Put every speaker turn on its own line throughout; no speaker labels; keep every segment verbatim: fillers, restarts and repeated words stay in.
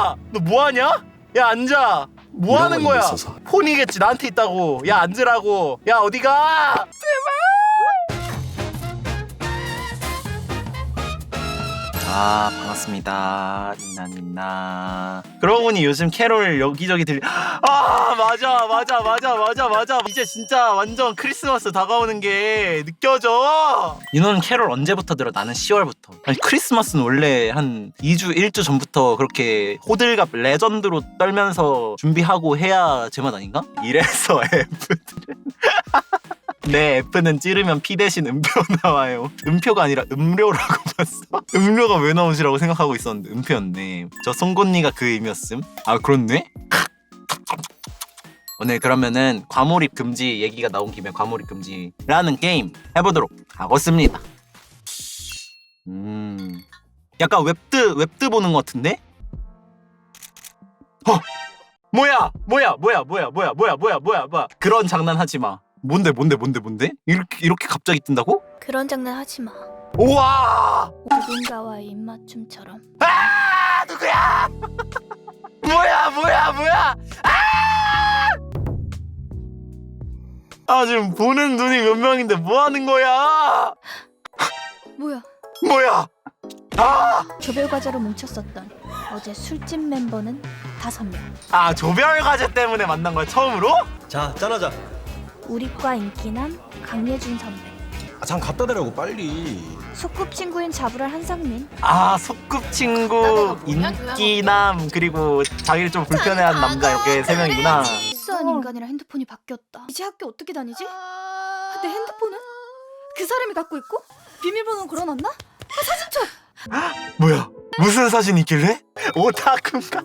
야, 너 뭐하냐? 야, 앉아. 뭐하는 거야?
있어서.
폰이겠지, 나한테 있다고. 야, 앉으라고. 야, 어디가? 아, 반갑습니다. 니나 니나. 그러고 보니 요즘 캐롤 여기저기 들리. 아, 맞아 맞아 맞아 맞아 맞아. 이제 진짜 완전 크리스마스 다가오는 게 느껴져. 윤호는 캐롤 언제부터 들어? 나는 시월부터. 아니, 크리스마스는 원래 한 이 주 일 주 전부터 그렇게 호들갑 레전드로 떨면서 준비하고 해야 제맛 아닌가? 이래서 F들은 내 F는 찌르면 P 대신 음표 나와요. 음표가 아니라 음료라고 봤어. 음료가 왜 나오시라고 생각하고 있었는데 음표였네. 저 송곳니가 그 의미였음. 아, 그렇네? 오늘 그러면은 과몰입 금지 얘기가 나온 김에 과몰입 금지라는 게임 해보도록 하겠습니다. 음, 약간 웹드 웹드 보는 것 같은데? 어, 뭐야, 뭐야, 뭐야, 뭐야, 뭐야, 뭐야, 뭐야, 뭐야, 뭐야. 그런 장난 하지 마. 뭔데, 뭔데, 뭔데, 뭔데? 이렇게 이렇게 갑자기 뜬다고?
그런 장난 하지 마.
우와!
누군가와의 입맞춤처럼.
아, 누구야? 뭐야, 뭐야, 뭐야? 아! 아, 지금 보는 눈이 몇 명인데 뭐 하는 거야?
뭐야?
뭐야? 아!
조별 과제로 뭉쳤었던 어제 술집 멤버는 다섯 명.
아, 조별 과제 때문에 만난 거야, 처음으로?
자, 짠하자.
우리과 인기남 강예준 선배.
아, 장 갖다 대라고 빨리.
소꿉친구인 자부랄 한상민.
아, 소꿉친구, 인기남, 그리고 자기를 좀 불편해하는 남자, 이렇게 세 명이구나.
수한 인간이라 핸드폰이 바뀌었다. 이제 학교 어떻게 다니지? 내 핸드폰은? 그 사람이 갖고 있고? 비밀번호는 걸어놨나? 아, 사진첩!
뭐야? 무슨 사진이 있길래? 오타쿠인가?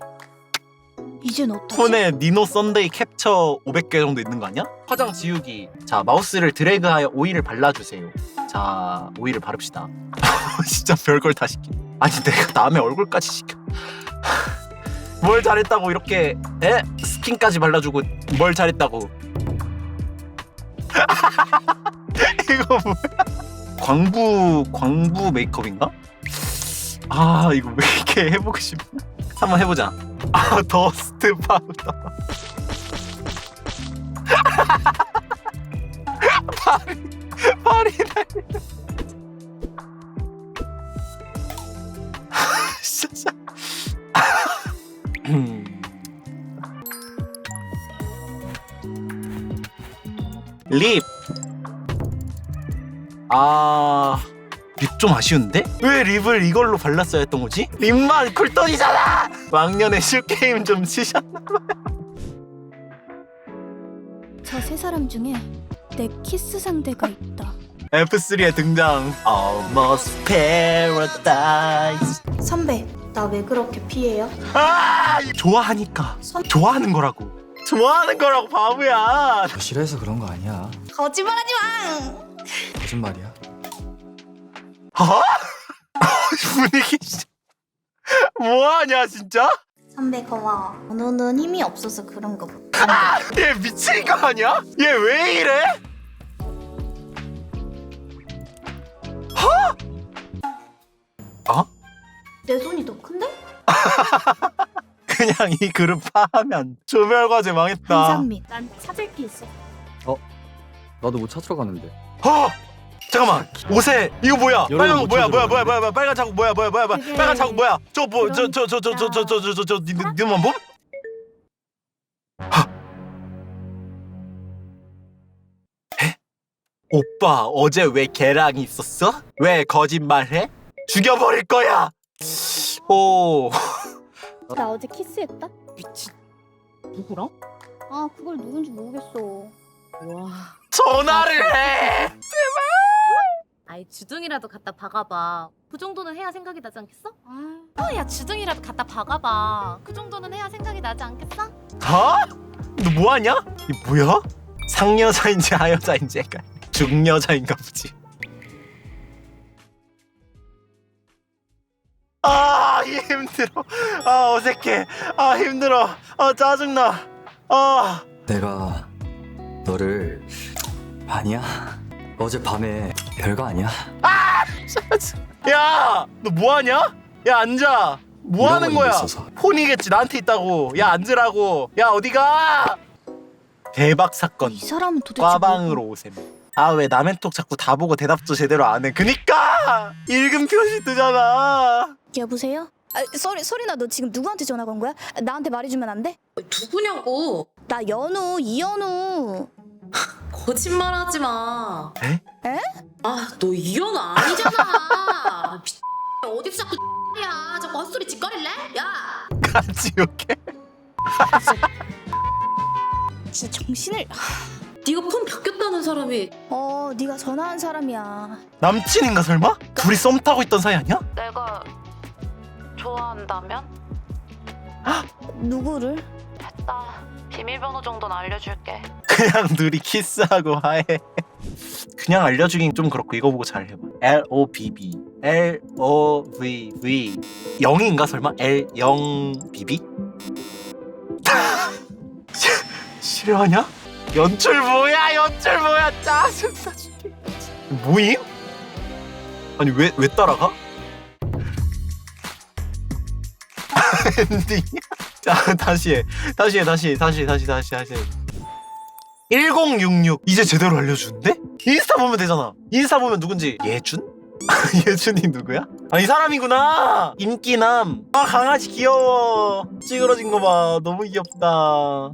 이젠 어떡하지?
폰에 니노 썬데이 캡처 오백 개 정도 있는 거 아니야? 화장 지우기. 자, 마우스를 드래그하여 오일을 발라주세요. 자, 오일을 바릅시다. 진짜 별걸 다 시키네. 아니, 내가 남의 얼굴까지 시켜. 뭘 잘했다고 이렇게 에? 스킨까지 발라주고 뭘 잘했다고. 이거 뭐야? 광부 광부 메이크업인가? 아, 이거 왜 이렇게 해보고 싶나? 한번 해보자. 아, 더스트 파우더. 발이 발이 날려. 진짜. 립. 아, 립 좀 아쉬운데? 왜 립을 이걸로 발랐어야 했던 거지? 립만 쿨톤이잖아! 왕년에 슈게임 좀 치셨나봐요.
저 세 사람 중에 내 키스 상대가 있다.
에프 쓰리에 등장. Almost Paradise.
선배, 나 왜 그렇게 피해요?
아, 좋아하니까. 좋아하는 거라고. 좋아하는 거라고, 바보야.
싫어해서 그런 거 아니야.
거짓말하지 마!
거짓말이야.
어? 분위기 진짜. 뭐하냐, 진짜?
선배 고마워. 너는 힘이 없어서 그런 거 못.
아, 얘 미친 거 아니야? 얘 왜 이래? 어? 어?
내 손이 더 큰데?
그냥 이 그룹 파하면 조별과제 망했다.
한상민, 난 찾을 게 있어.
나도 뭐 찾으러 가는데.
어? 잠깐만, 옷에 이거 뭐야?
여러분
빨간 거
뭐
뭐야?
찾으러
뭐야? 뭐야?
가는데?
뭐야? 뭐야? 빨간 자국 뭐야? 뭐야? 뭐야? 뭐야?
그게
빨간 자국 뭐야? 저거 뭐? 저 저 저 저 저 저 저 저 저 니만 봄? 에? 오빠 어제 왜 걔랑 있었어? 왜 거짓말해? 죽여버릴 거야. 오.
나 어제 키스했다?
미친.
누구랑?
아, 그걸 누군지 모르겠어.
와.
전화를 해.
아이 주둥이라도 갖다 박아봐. 그 정도는 해야 생각이 나지 않겠어? 아, 야 주둥이라도 갖다 박아봐. 그 정도는 해야 생각이 나지 않겠어?
어? 너 뭐하냐? 이 뭐야? 상여자인지 하여자인지 헷갈려. 중여자인가 보지. 아, 힘들어. 아, 어색해. 아, 힘들어. 아, 짜증나. 아.
내가 너를 아니야. 어제 밤에 별거 아니야.
야, 너 뭐하냐? 야, 앉아. 뭐
이런
하는
건
거야?
있어서.
폰이겠지. 나한테 있다고. 야 앉으라고. 야 어디가? 대박 사건.
이 사람은 도대체
과방으로 오셈. 아 왜 남의 톡 자꾸 다 보고 대답도 제대로 안 해. 그니까 읽음 표시 뜨잖아.
여보세요? 아, 소리, 소리나 너 지금 누구한테 전화 건 거야? 나한테 말해주면 안 돼?
누구냐고?
나 연우, 이연우.
거짓말하지 마.
에?
에?
아, 너 이현우 아니잖아. 미친 어디서 자꾸 야, 자꾸 헛소리 짓거릴래? 야.
같이 욕해.
진짜 정신을.
네가 폰 바뀌었다는 사람이
어, 네가 전화한 사람이야.
남친인가 설마? 둘이 썸 타고 있던 사이 아니야?
내가 좋아한다면?
누구를?
됐다. 비밀번호 정도는 알려줄게.
그냥 둘이 키스하고 하해. 그냥 알려주긴 좀 그렇고 이거 보고 잘 해봐. L O B B L O V V 영인가 설마? L 영 B B? 싫어하냐? 연출 뭐야? 연출 뭐야? 짜증나 죽겠. 뭐임? 아니 왜 왜 따라가? 엔딩. 자 다시 해. 다시 해. 다시 해. 다시 해. 다시 다시 다시 해. 천육십육 이제 제대로 알려주는데? 인스타 보면 되잖아. 인스타 보면 누군지 예준? 예준이 누구야? 아 이 사람이구나. 인기남. 아 강아지 귀여워. 찌그러진 거 봐. 너무 귀엽다.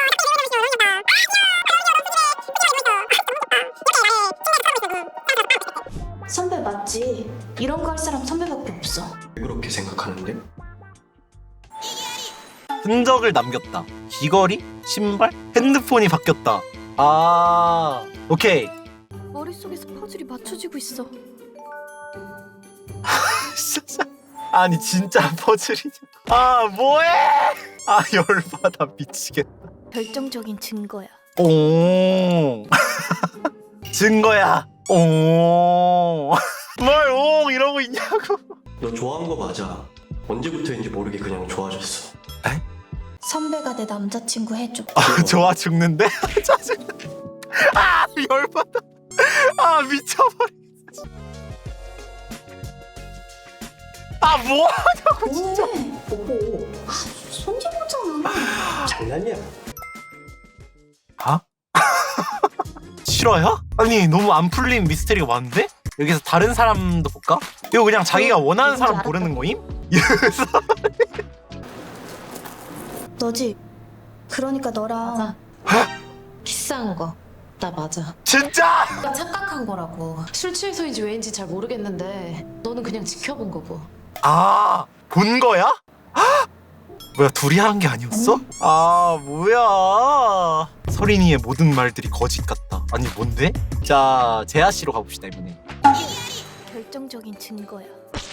선배 맞지? 이런 거 할 사람 선배밖에 없어.
그렇게 생각하는데?
흔적을 남겼다. 귀걸이? 신발? 핸드폰이 바뀌었다. 아 오케이.
머릿속에서 퍼즐이 맞춰지고 있어.
아니 진짜 퍼즐이냐? 아 뭐해? 아 열받아 미치겠다.
결정적인 증거야.
오 증거야. 오 뭘 오 이러고 있냐고.
너 좋아한 거 맞아. 언제부터인지 모르게 그냥 좋아졌어.
선배가 내 남자친구 해줘.
아 좋아 죽는데? 짜증나. 아 열받아. 아 미쳐버리겠어. 아 뭐하냐고 진짜.
뽀뽀. 아, 손짓보잖아.
장난이야.
아? 실화야? 아니 너무 안 풀린 미스테리가 많은데? 여기서 다른 사람도 볼까? 이거 그냥 자기가 원하는 사람
누군지
고르는 거임?
너지? 그러니까 너랑
맞아. 키스한 거. 나 맞아.
진짜?
나 착각한 거라고. 술 취해서인지 왜인지 잘 모르겠는데 너는 그냥 지켜본 거고.
아, 본 거야? 헉! 뭐야, 둘이 한 게 아니었어? 아, 뭐야. 서린이의 모든 말들이 거짓 같다. 아니, 뭔데? 자, 재하 씨로 가봅시다, 이번에.
결정적인 증거야.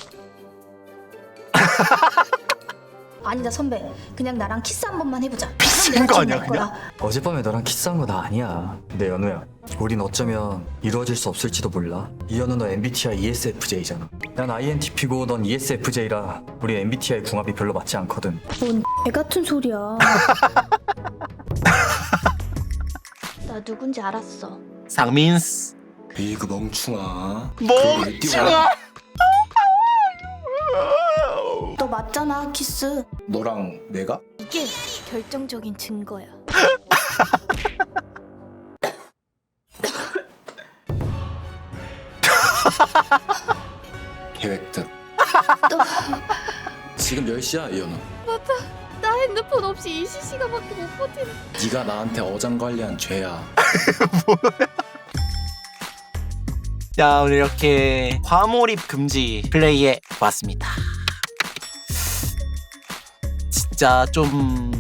아니다 선배, 그냥 나랑 키스 한 번만 해보자.
미친 거 아니야, 그냥?
어젯밤에 너랑 키스한 거 나 아니야. 근데 연우야, 우린 어쩌면 이루어질 수 없을지도 몰라. 이연우 너 엠비티아이 이에스에프제이잖아. 난 아이엔티피고 넌 이에스에프제이라 우리 엠비티아이 궁합이 별로 맞지 않거든.
뭔 애 같은 소리야. 나 누군지 알았어.
상민스.
에이 그 멍충아.
멍청아.
너 맞잖아 키스.
너랑 내가?
이게 결정적인 증거야.
계획대로. 지금 몇 시야 이연우?
나 핸드폰 없이 이십 시간밖에 못 버티는.
네가 나한테 어장관리한 죄야.
자, 오늘 이렇게 과몰입 금지 플레이해 봤습니다. 진짜 좀...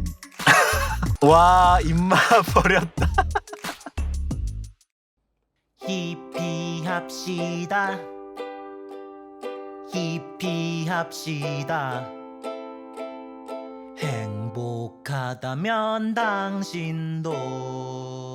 와, 입맛 버렸다. 히피합시다. 히피합시다. 행복하다면 당신도